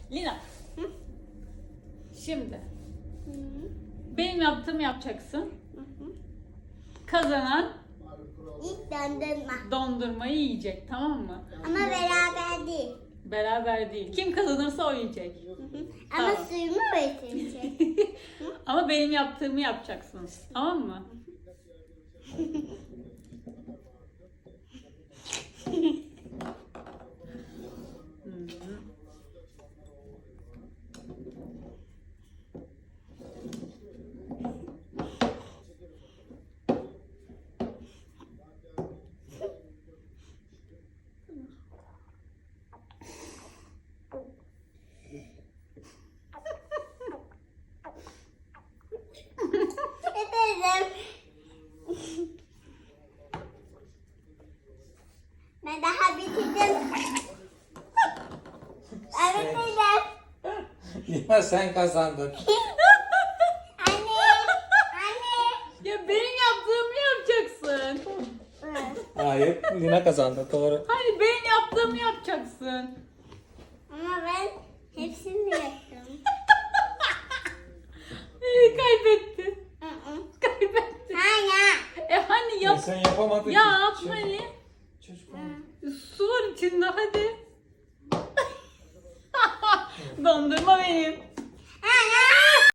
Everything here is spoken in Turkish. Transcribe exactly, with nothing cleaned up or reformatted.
Lina. Hı? Şimdi Hı. benim yaptığımı yapacaksın. Hı hı. Kazanan İlk dondurma. dondurmayı yiyecek, tamam mı? Ama beraber değil. Beraber değil. Kim kazanırsa o yiyecek. Hı hı. Ama Tamam. suyumu öğretecek. Ama benim yaptığımı yapacaksınız. Tamam mı? Hı hı. Ederim. Ben daha bitirdim. Ben bitirdim. Lina sen kazandın. Anne. Anne. Ya benim yaptığımı yapacaksın. Hayır, Lina kazandı. Doğru. Hayır, benim yaptığımı yapacaksın. Ama ben hepsini yaptım. Ee, kaybetti. Hı hı. Kaybetti. Hayır. E hani yap. E sen yapamadın Yap ki. hani. Çocuk Su var içinde, hadi. Dondurma benim.